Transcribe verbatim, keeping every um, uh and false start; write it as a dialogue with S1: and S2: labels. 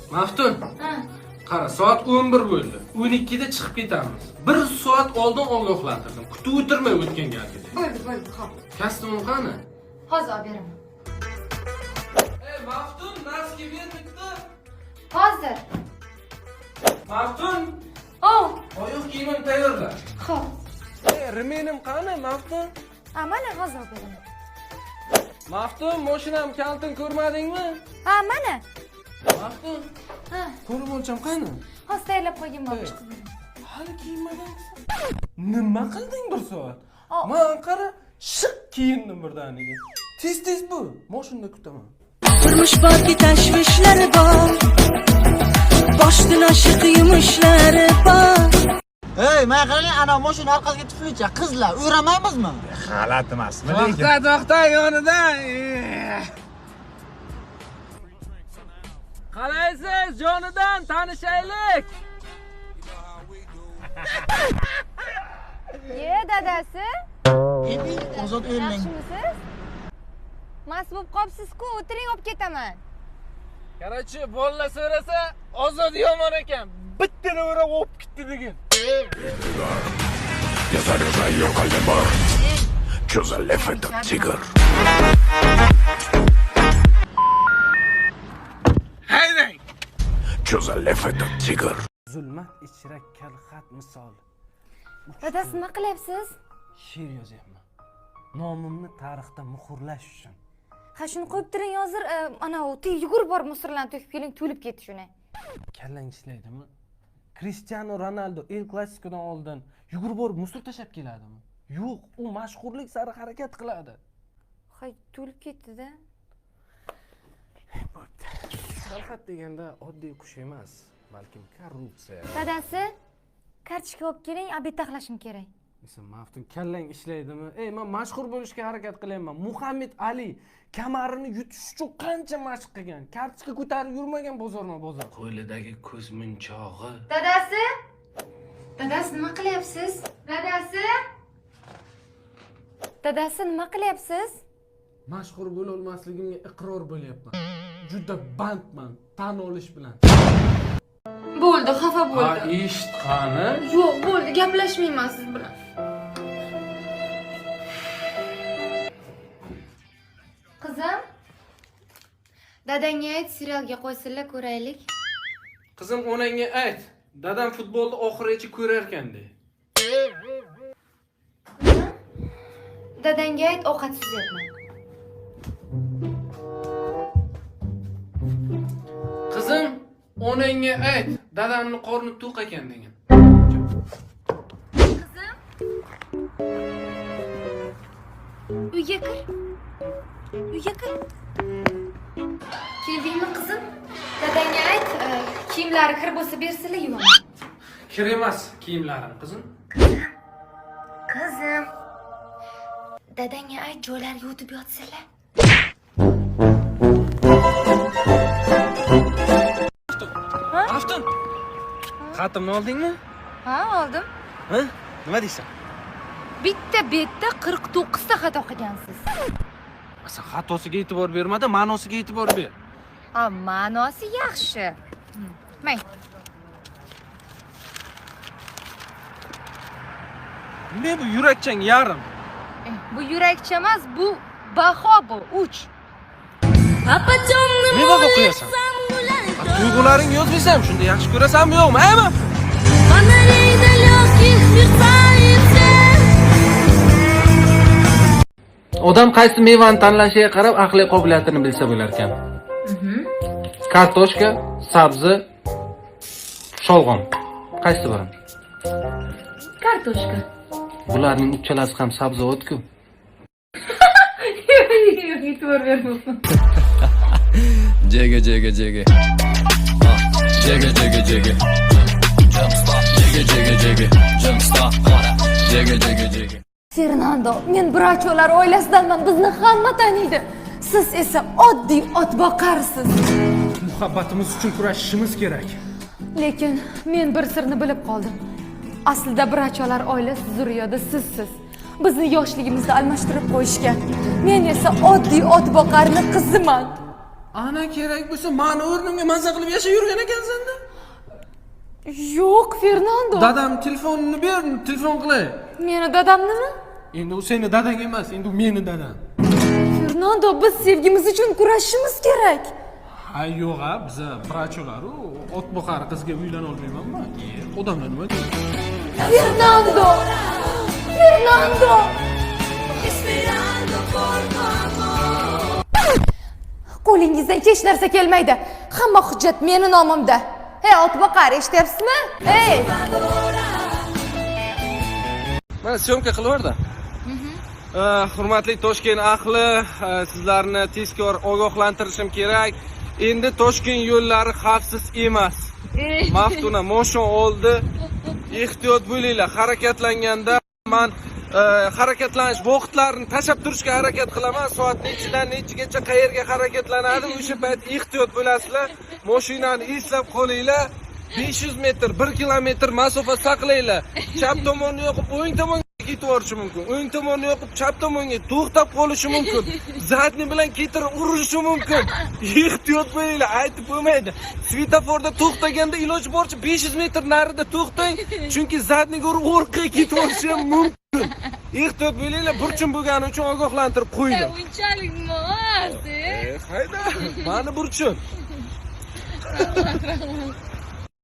S1: Maftun. Qara, soat o'n bir bo'ldi. o'n ikkida chiqib ketamiz. bir soat oldin ogohlantirdim. Kutib o'tirmay o'tgan galgidek.
S2: Bo'ldi, bo'ldi, xo'p.
S1: Kostyumim qani?
S2: Hozir olib beraman.
S1: Ey, Maftun, maska ber bitta.
S2: Hozir.
S1: Maftun,
S2: Oh,
S1: oyoq kiyimim tayyorla.
S2: xo'p.
S1: Ey, remenim qani, Maftun?
S2: Ha, mana hozir olib beraman.
S1: Maftun, mashinam kaltin ko'rmadingmi?
S2: Ha, mana.
S1: Maftun,
S2: Ha,
S1: ko'rib o'lcham qani?
S2: hozir tayyorlab qo'yganman, chiqib beraman.
S1: Hali kiyinmagansan. Nima qilding bir soat?
S2: Oh.
S1: Men qara, shiq kiyindim birdaniga. Tez-tez bu, mashinada kutaman.
S3: Turmush borki tashvishlari bor, boshdan oshiq yumushlari bor.
S4: Hey, men qarang, ana mashina orqasiga tuflicha qizlar, o'ramaymizmi?
S5: G'alati emasmi lekin?
S1: To'xta, to'xta yonida. Qalaysiz, jonidan tanishaylik.
S2: Ye, dadasi.
S4: Endi ozod o'ylang.
S2: Yaxshimisiz? Mas bo'lib qopsiz-ku, o'tiring, olib ketaman.
S1: Qarachi, bolalar so'rasa, ozod yomon ekan. Bittani o'rab olib ketdi degan. Haydang. Zulmat ichra kalxat misol.
S2: Dadasi, nima qilyapsiz?
S1: She'r yozyapman. Nomimni tarixda muhrlash uchun.
S2: Ha, shuni qo'yib turing, hozir ana u yugurib borib musorlarni to'kib keling, to'lib ketdi shuni.
S1: Kallang ishlaydimi? Cristiano Ronaldo El Clasicodan oldin yugurib borib musor tashab keladimi? Yo'q, u mashhurlik sari harakat qiladi.
S2: Hay, to'lib ketdi-da.
S1: Kalxat deganda oddiy qush emas, balkim korrupsiya.
S2: Dadasi, kartochka olib keling, obed taxlashim kerak.
S1: Sen Maftun, kallang ishlaydimi? Ey, men mashhur bo'lishga harakat qilyapman. Muhammad Ali kamarini yutish uchun qancha mashq qilgan. Kartochka ko'tarib yurmagan bozorma-bozor. Qo'lidagi ko'z munchog'i.
S2: Dadasi? Dadasi, nima qilyapsiz? Dadasi? Dadasi, nima qilyapsiz?
S1: Mashhur bo'la olmasligimga iqror bo'lyapman. Juda bandman, tan olish bilan.
S2: Bo'ldi, xafa
S1: Ha,
S2: bo'ldi.
S1: eshitqani?
S2: Yo'q, bo'ldi, gaplashmayman siz bilan. Qizim, dadangga ayt, serialga qo'ysinlar, ko'raylik.
S1: Qizim, onangga ayt. Dadam futbolni oxirigacha ko'rar ekan de.
S2: Dadangga ayt, ovqatsiz yotma.
S1: Qizim, onangga ayt. Dadamning qorni to'q ekan degan.
S2: Qizim. Uyga kir. Uyga kir. Keldingmi qizim? Dadangga ayt, kiyimlari kir bo'lsa bersinlar, yuvaman.
S1: Kir emas kiyimlarim, qizim.
S2: Qizim. Dadangga ayt, joylariga o'tib yotsinlar.
S1: Maftun. Xatimni oldingmi?
S2: Ha, oldim.
S1: Ha? Nima deysan?
S2: Bitta betda qirq to'qqiz ta xato qilgansiz.
S1: Sen xatosiga e'tibor bermada, ma'nosiga e'tibor ber.
S2: Ha, ma'nosi yaxshi. Mang.
S1: Nima bu yurakchang yarim?
S2: Bu yurakcha emas, bu baho bu, uch.
S3: Apachonni
S1: Nima o'qiyasan? Tuyg'ularing yozmaysam, shunda yaxshi ko'rasanmi, yo'qmi, aymi?
S3: Фонарей далеких мерцается.
S1: Odam qaysi mevani tanlashiga qarab aqliy qobiliyatini bilsa bo'lar ekan. Kartoshka, sabzi, sholg'om. Qaysi biri?
S2: Kartoshka.
S1: Bularning uchalasi ham sabzavot-ku.
S2: E'tibor bermayman.
S6: Jigga jigga jigga. Ah, jigga jigga jigga. Jump stop. Jigga jigga jigga. Jump stop. Jigga jigga jigga.
S2: Fernando, men Bracholar oilasidanman, bizni hamma taniydi. Siz esa oddiy ot boqarsiz.
S1: Muhabbatimiz uchun kurashishimiz kerak.
S2: Lekin men bir sirni bilib qoldim. Aslida Bracholar oilasi zurriyodi sizsiz. Bizni yoshligimizda almashtirib qo'yishgan. Men esa oddiy ot boqarni qiziman.
S1: Ana kerak bo'lsa, meni o'rnimga mazza qilib yashab yurgan ekansan-da.
S2: Yo'q, Fernando.
S1: Dadam telefonini ber, telefon qilay.
S2: Meni dadamnimi?
S1: Endi u seni dadang emas, endi u meni dadam.
S2: Fernando, biz sevgimiz uchun kurashishimiz kerak.
S1: Ha yo'q, a, biz vrachlar-u, ot boqar qizga uylana olmaymanmi? E, odamlar nima deydi?
S2: Fernando! Fernando! Qo'lingizdan hech narsa kelmaydi. Hamma hujjat meni nomimda. Hey, otboqar, eshityapsizmi? Hey!
S1: Mana syomka qilaverdi. Hurmatli Toshkent ahli, sizlarni tezkor ogohlantirishim kerak. Endi Toshkent yo'llari xavfsiz emas. Maftuna moshon oldi. Ehtiyot bo'linglar. Harakatlanganda men harakatlanish vaqtlarini tashab turishga harakat qilaman. Soat nechidan nechigacha qayerga harakatlanadi, o'sha payt ehtiyot bo'lasizlar. Mashinani eslab qolinglar. besh yuz metr, bir kilometr masofa saqlaylar. Chap tomonni yoqib o'ng tomonga ketib borishi mumkin. O'ng tomonni yoqib chap tomonga to'xtab qolishi mumkin. Zadni bilan ketirib urishi mumkin. Ehtiyot bo'linglar, aytib bo'lmaydi. Svetoforda to'xtaganda iloji boricha besh yuz metr narida to'xtang, chunki zadniga urib orqaga ketib borishi ham mumkin. Ehtiyot bo'linglar, burchim bo'lgani uchun ogohlantirib qo'ydim.
S3: Unchalik emas.
S1: Hayda, mani burchim.